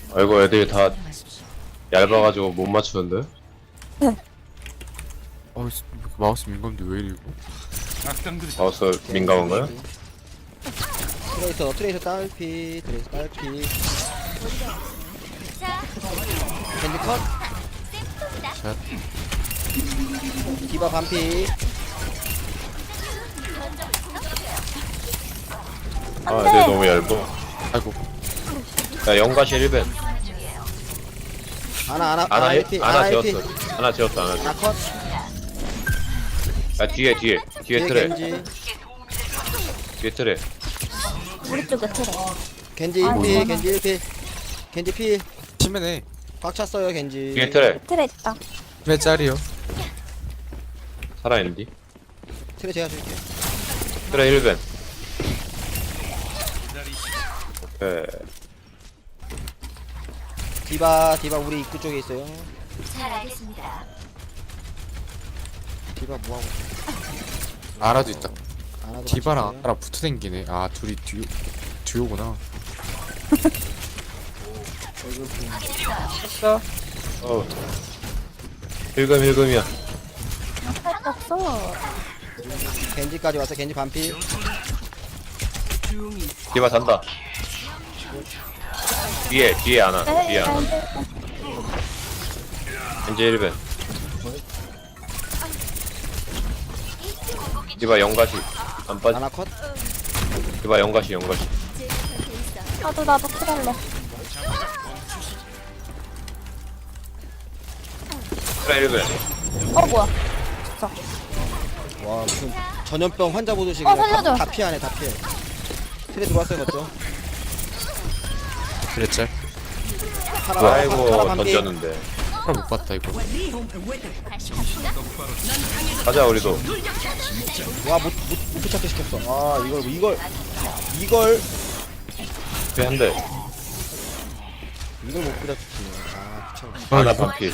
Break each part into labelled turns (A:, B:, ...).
A: 아이고 애들이 다 얇아가지고 못 맞추는데?
B: 마우스 민감도 왜 이리고?
A: 마우스 민감한가요?
C: 트레이서 딸피 트레이서 딸피 캔디 컷
B: 샷.
C: 디바 반피
A: 아 애들 너무 얇아.
B: 아이고.
A: 야 영가시 1벤
C: 아나
A: 아나
C: LP
A: 지었어. 하나 지었어 하나 지었어.
C: 아컷
A: 야 뒤에 트레
C: 겐지
A: 뒤에 트레.
D: 우리 쪽에 틀어.
C: 겐지
D: 아이고.
C: 1피 겐지 1피 겐지 피
B: 치매네.
C: 꽉 찼어요 겐지
A: 뒤에 트레
D: 틀에 있다.
B: 몇 짜리요?
A: 살아있는디?
C: 트레 제가 줄게요
A: 트레 1벤 오케이.
C: 디바 우리 입구 쪽에 있어요
D: 잘 알겠습니다.
C: 디바 뭐하고
B: 아라도 있다.
C: 아나도
B: 디바랑
C: 같이 있어요.
B: 아라 붙어 댕기네. 아 둘이 듀오구나.
A: 어 일금이야.
D: 할거 없어.
C: 겐지까지 왔어 겐지 반피
A: 디바 잔다. 뒤에 하나 뒤에 하나. 겐지 1벤 디바 영가시 안 빠지.
C: 아나 컷
A: 디바 영가시
D: 나도 틀을래.
A: 트레 1벤
D: 어 뭐야?
C: 와 무슨 전염병 환자 보듯이
D: 어,
C: 그냥
D: 살려줘.
C: 다 피하네 다 피해 트레 들어왔어요 맞죠?
B: 그랬지?
C: 파라
A: 아이고
C: 반피
A: 던졌는데.
B: 하나 못 봤다 이거.
A: 가자 우리도.
C: 와못 붙잡게 시켰어 아 이걸
A: 뒤에 한대.
C: 못 붙잡히네 아 미쳐
A: 하나 반피.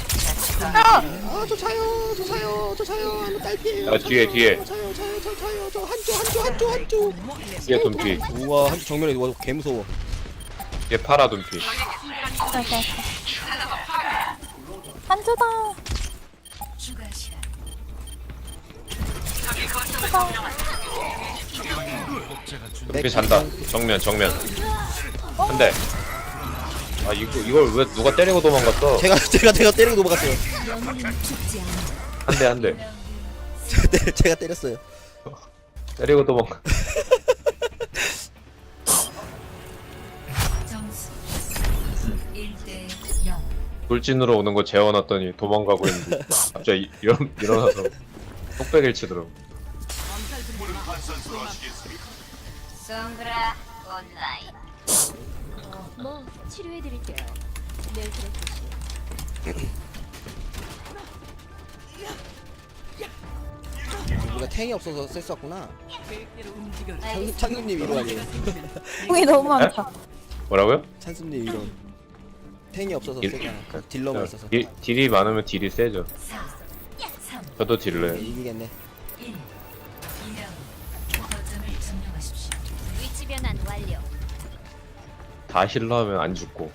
C: 아저 차요 한번 딸피에요
A: 야 뒤에
C: 저 한조
A: 뒤에 돈피.
C: 우와 한조 정면에 와 개무서워
A: 뒤에 파라 돈피.
D: 이렇게. 한주다.
A: 돈피 잔다. 정면 한대. 아 이걸 왜 누가 때리고 도망갔어?
C: 제가 때리고 넘어갔어요
A: 한대
C: 제가 때렸어요
A: 때리고 도망가.
E: 점수 1대 0.
A: 돌진으로 오는 거 재워놨더니 도망가고 있는데 갑자기 일어나서 톡배기를 치더라고.
E: 송그라 온라인.
D: 뭐 치료해드릴게요. 내일 들어주시.
C: 우리가 탱이 없어서 셌었구나 찬수님 이로 아니에요
D: 공이 너무 많다.
A: 뭐라고요?
C: 찬수님 이로 탱이 없어서
A: 일-
C: 세잖아 딜러만 있어서
A: 딜이 많으면 딜이 세죠. 저도 딜러요.
C: 이기겠네
E: 2라운드. 거점을 점령하십시오.
D: 위치 변환 완료.
A: 다 힐러하면 안 죽고.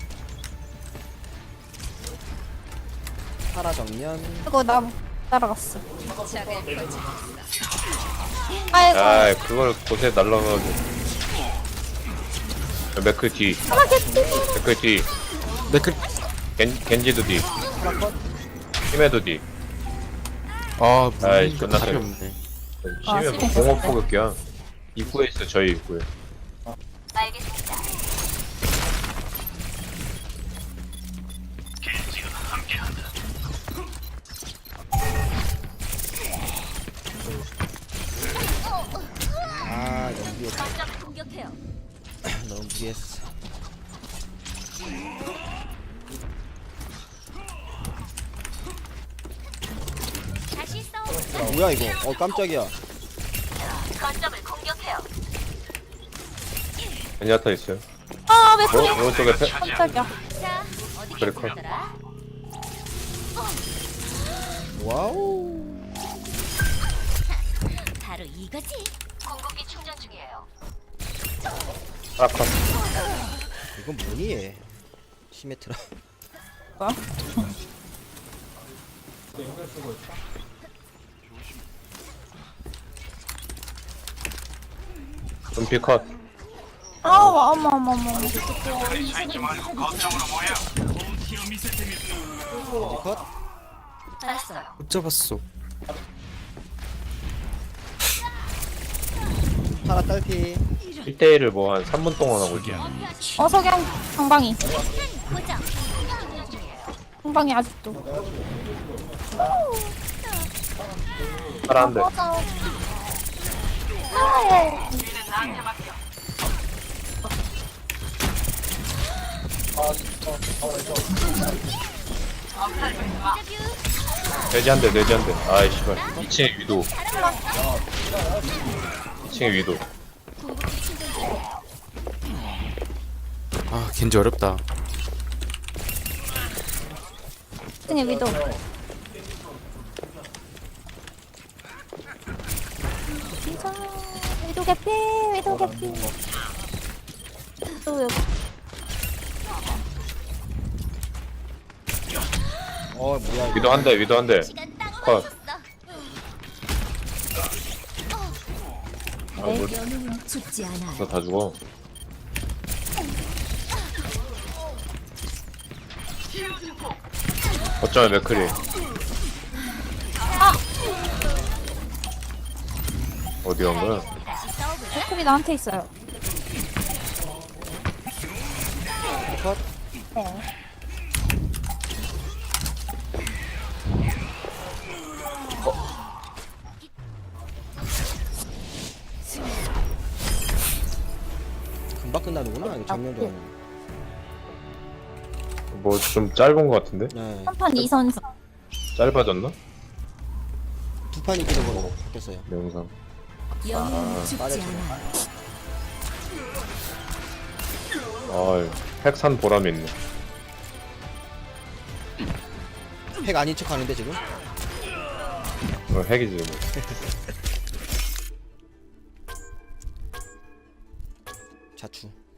C: 파라 정면
D: 그리고 나 따라갔어. 아이고.
A: 아 그걸 곳에 날라가지고. 맥크 뒤. 맥크 뒤.
B: 네클.
A: 겐지도 뒤.
C: 파라 컷
A: 힘에도 뒤.
B: 아
A: 아이,
B: 무슨
A: 끝났어요.
B: 답이 없네.
D: 아,
A: 심해
D: 심해.
A: 공업 포격이야. 입구에 있어 저희 입구에.
D: 알겠습니다.
C: 아 너무 무리했다
D: 공격해요.
C: 너무 무리했어
D: 다시 싸워.
C: 뭐야 이거 깜짝이야
D: 거점을 공격해요.
A: 겐지아타 있어요.
D: 아, 왜 그래?
A: 오른쪽에
D: 깜짝이야. 자, 어디
A: 그래, 컷.
D: 계시더라?
C: 와우
D: 바로 이거지. 공급기 충전 중이에요.
A: 아카.
C: 이건 뭐니 얘 시메트라.
A: 금피 컷.
F: 어머.
C: 어디 컷?
D: 알았어요.
B: 못 잡았어.
C: 파라 딸피.
A: 1대1을 뭐 한 3분 동안 하고 있지.
F: 석양 방방이.
D: 고정.
F: 방방이 아직도.
A: 파란데. 돼지 한 대, 돼지 한 대. 아이, 씨발. 2층에 위도. 2층에 위도.
B: 아 겐지 어렵다.
F: 등에 위도. 진짜 위도 개피. 또 여기.
C: 뭐야 이거.
A: 위도 한 대, 위도 한 대.
D: 시간 딱
A: 컷.
D: 맞췄어.
A: 아, 뭐,
E: 영웅은 죽지 않아.
A: 너 다 죽어. 어쩌면 맥크리. 어디 간 거야?
F: 백클이 나한테 있어요.
C: 컷.
F: 네.
C: 금방 끝나는구나. 이거 정면도 아니고.
A: 뭐 좀 짧은 거 같은데?
C: 네.
F: 3판 2선승.
A: 짧아졌나?
C: 두 판 이기는 걸로 바뀌었어요.
A: 내 영상.
E: 영웅은 죽지
C: 빠르죠.
E: 않아.
A: 핵산 보람이 있네.
C: 핵 아닌 척 하는데 지금?
A: 핵이지 뭐.
C: 자추.